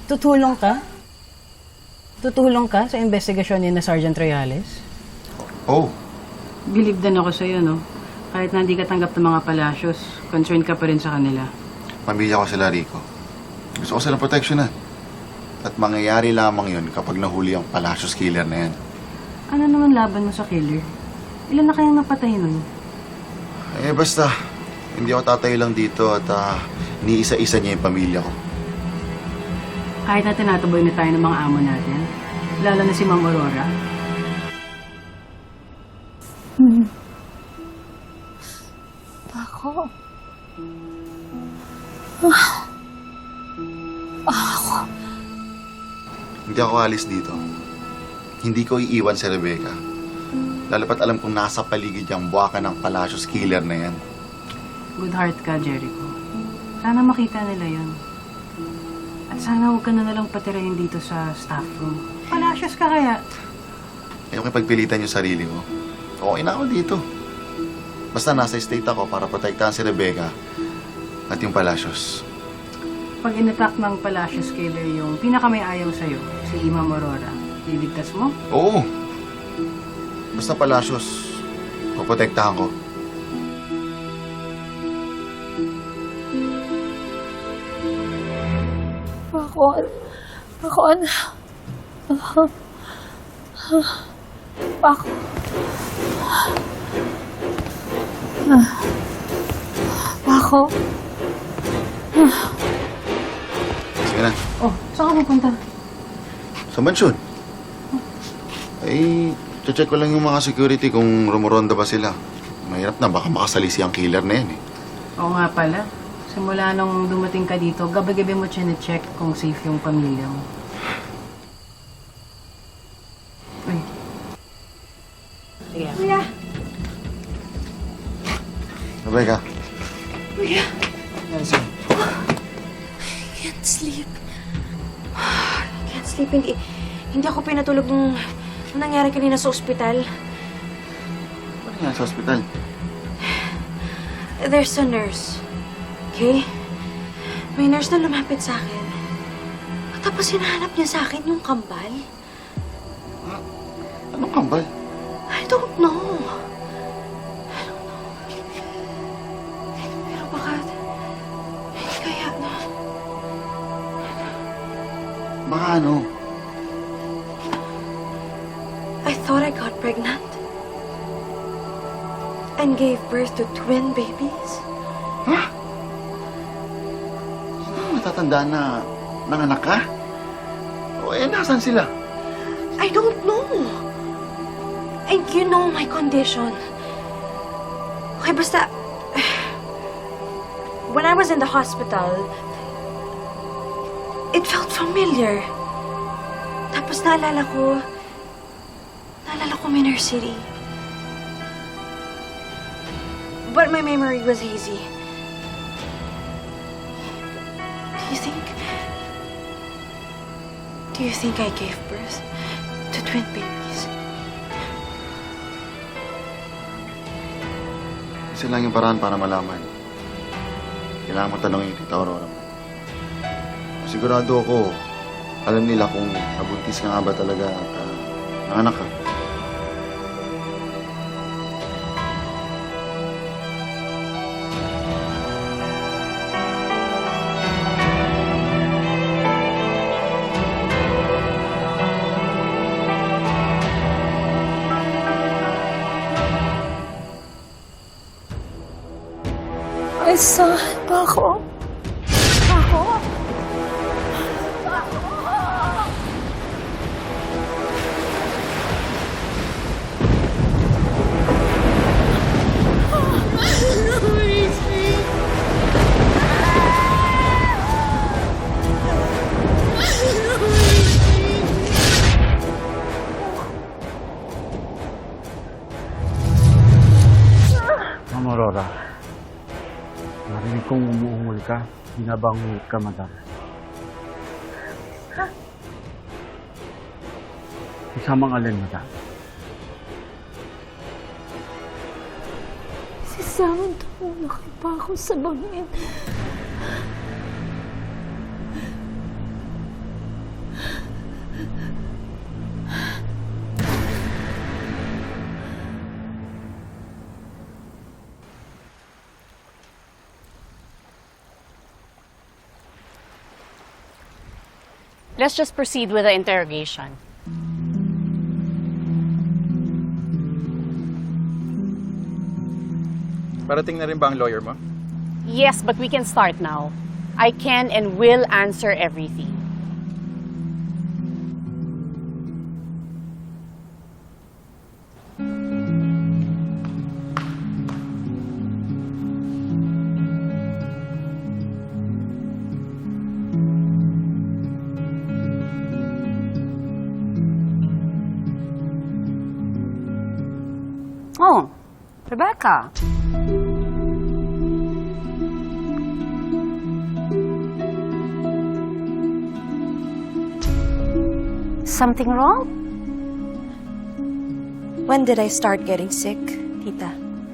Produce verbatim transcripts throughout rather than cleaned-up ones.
Tutulong ka? Tutulong ka sa investigasyon ni na Sergeant Reales? Oh, Believe din ako sa'yo, no? Kahit na hindi ka tanggap ng mga palasyos, concerned ka pa rin sa kanila. pamilya ko sila, Rico. Gusto ko silang proteksyonan. At mangyayari lamang yun kapag nahuli ang Palacios killer na yan. Ano naman laban mo sa killer? Ilan na kayang napatay nun? Eh, basta, hindi ako tatayo lang dito at uh, iniisa-isa niya yung pamilya ko. Kahit na tinataboy na tayo ng mga amo natin, lalo na si Ma'am Aurora. Ako? Hindi ako alis dito. Hindi ko iiwan si Rebecca. Lalo pat alam kong nasa paligid yung buwaka ng Palacios killer na yan. Good heart ka, Jericho. Sana makita nila yun. At sana huwag ka na nalang patirahin dito sa staff room. Palasyos ka kaya. Ayoko ipagpilitan yung sarili mo. Okay na ako dito. Basta nasa state ako para protektahan si Rebecca at yung Palacios. Pag inattack ng Palacios killer yung pinakamay ayaw sa'yo, si Ma'am Aurora, liligtas mo? Oo. Basta Palacios, poprotektahan ko. Pakon. Pakon. Pakon. Pako. Sige na. Oh, saan ka pupunta? Sa mansyon. Ay, check ko lang yung mga security kung rumuronda ba sila. Mahirap na, baka makasalisi ang killer na yan eh. Oo nga pala. Simula nung dumating ka dito, gabi-gabi mo chine-check kung safe yung pamilya mo. Ay. Sige. Kuya. Rebecca. Kuya. Yes, I can't sleep. I can't sleep. Hindi, hindi ako pinatulog nung, nung nangyari kanina sa ospital. Ano yan sa ospital? There's a nurse. Okay? May nurse na lumapit sa akin. Tapos hinahanap niya sa akin yung kambal. Anong kambal? I don't know. I don't know. Pero baka... Hindi kaya na... Baka ano? I thought I got pregnant. And gave birth to twin babies. Ha? Hindi mo natatandaan na nanganak ka? O eh, nasan sila? I don't know. And you know my condition. Okay, basta... When I was in the hospital, it felt familiar. Tapos naalala ko... Naalala ko Minor City. But my memory was hazy. Do you think... Do you think I gave birth to twin babies? Isa lang yung paraan para malaman. Kailangan mo tanongin yung tita Aurora mo. Sigurado ako, alam nila kung nabuntis ka nga ba talaga at uh, nanganak ka. Ay, saan ba ako? Ako? Ma'am Aurora, narinig kong umuungol ka. Binabangungot ka, madam. Kasamang alin, madam? Si Sam, tumulaki pa ako sa bangin. Let's just proceed with the interrogation. Parating na rin ba ang lawyer mo? Yes, but we can start now. I can and will answer everything. Oh, Rebecca. Something wrong? When did I start getting sick, Tita?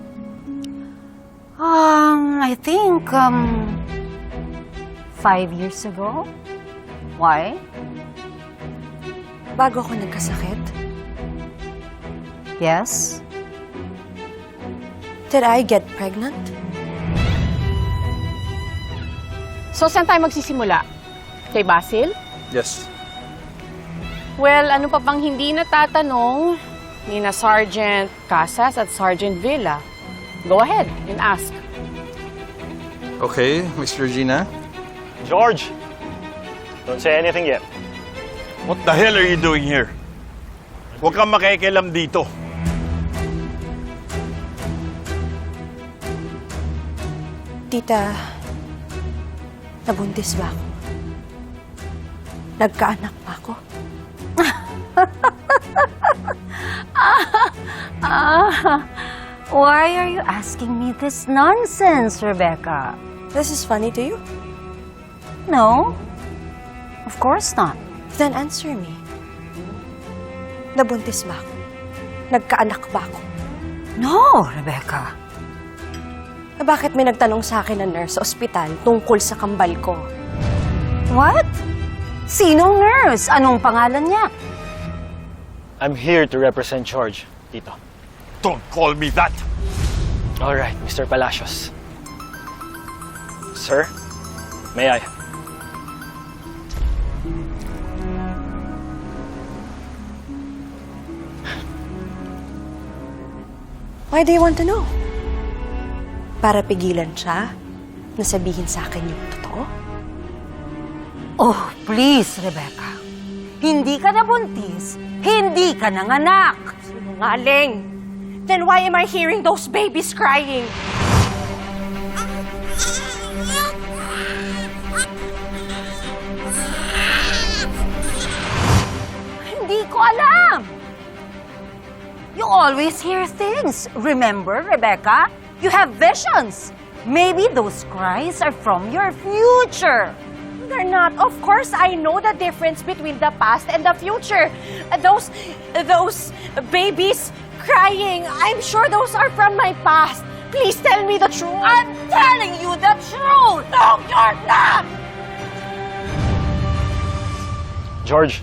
Um, I think, um, five years ago. Why? Bago ako nagkasakit? Yes. Did I get pregnant? So, saan tayo magsisimula? Kay Basil? Yes. Well, ano pa bang hindi natatanong ni na Sergeant Casas at Sergeant Villa? Go ahead and ask. Okay, Miss Regina. George! Don't say anything yet. What the hell are you doing here? Huwag kang makikialam dito. Tita, nabuntis ba ako? Nagkaanak ba ako? Ah, why are you asking me this nonsense, Rebecca? This is funny to you? No, of course not. Then answer me. Nabuntis ba ako? Nagkaanak ba ako? No, Rebecca. Eh, bakit may nagtanong sa akin na nurse sa ospital tungkol sa kambal ko? What? Sinong nurse? Anong pangalan niya? I'm here to represent George, Tito. Don't call me that. All right, Mister Palacios. Sir, may I? Why do you want to know? Para pigilan siya na sabihin sa akin yung totoo? Oh, please, Rebecca. Hindi ka nabuntis, hindi ka nanganak. Sinungaling! Then why am I hearing those babies crying? Hindi ko alam. You always hear things. Remember, Rebecca? You have visions. Maybe those cries are from your future. They're not. Of course, I know the difference between the past and the future. Uh, Those, those babies crying, I'm sure those are from my past. Please tell me the truth. I'm telling you the truth. No, you're not! George.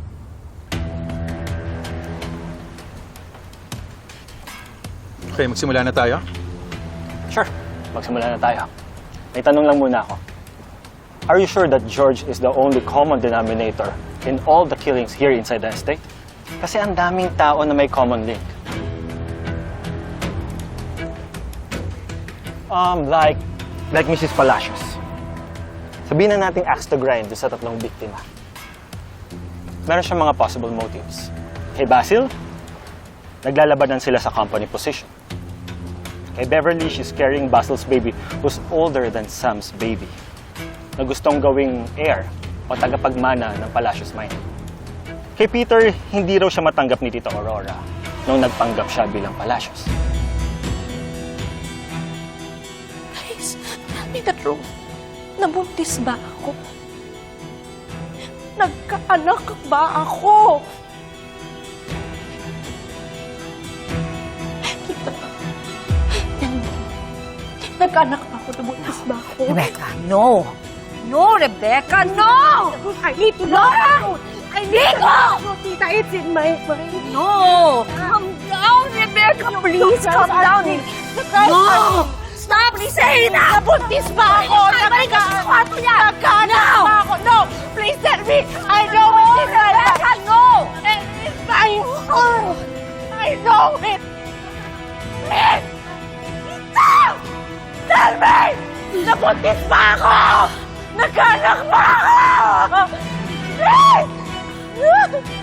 Okay, magsimula na tayo. Sure, magsimula na tayo. May tanong lang muna ako. Are you sure that George is the only common denominator in all the killings here inside the estate? Kasi ang daming tao na may common link. Um, like, like Missus Palacios. Sabihin na nating axe to grind dun sa tatlong biktima. Meron siyang mga possible motives. Kay Basil, naglalabanan sila sa company position. Kay Beverly, she's carrying Basil's baby who's older than Sam's baby, na gustong gawing heir o tagapagmana ng Palacios Mine. Kay Peter, hindi raw siya matanggap ni Tita Aurora nung nagpanggap siya bilang Palacios. Please, tell me the truth. Nabuntis ba ako? Nagkaanak ba ako? Nagkaanak ba ako? Nabuntis ba ako? Rebecca, no. No, Rebecca, no! I need to know! I need to know! Tita, it's in my mind. No! Calm down, Rebecca, please, calm down. No! Stop saying that! Nabuntis ba ako? Nagkaanak ba ako? No! Please tell me! I know Rebecca, no! It's my fault! I know it! Please! Stop! Tell me! Nabuntis ba ako? Nagkanak ba ako? Please!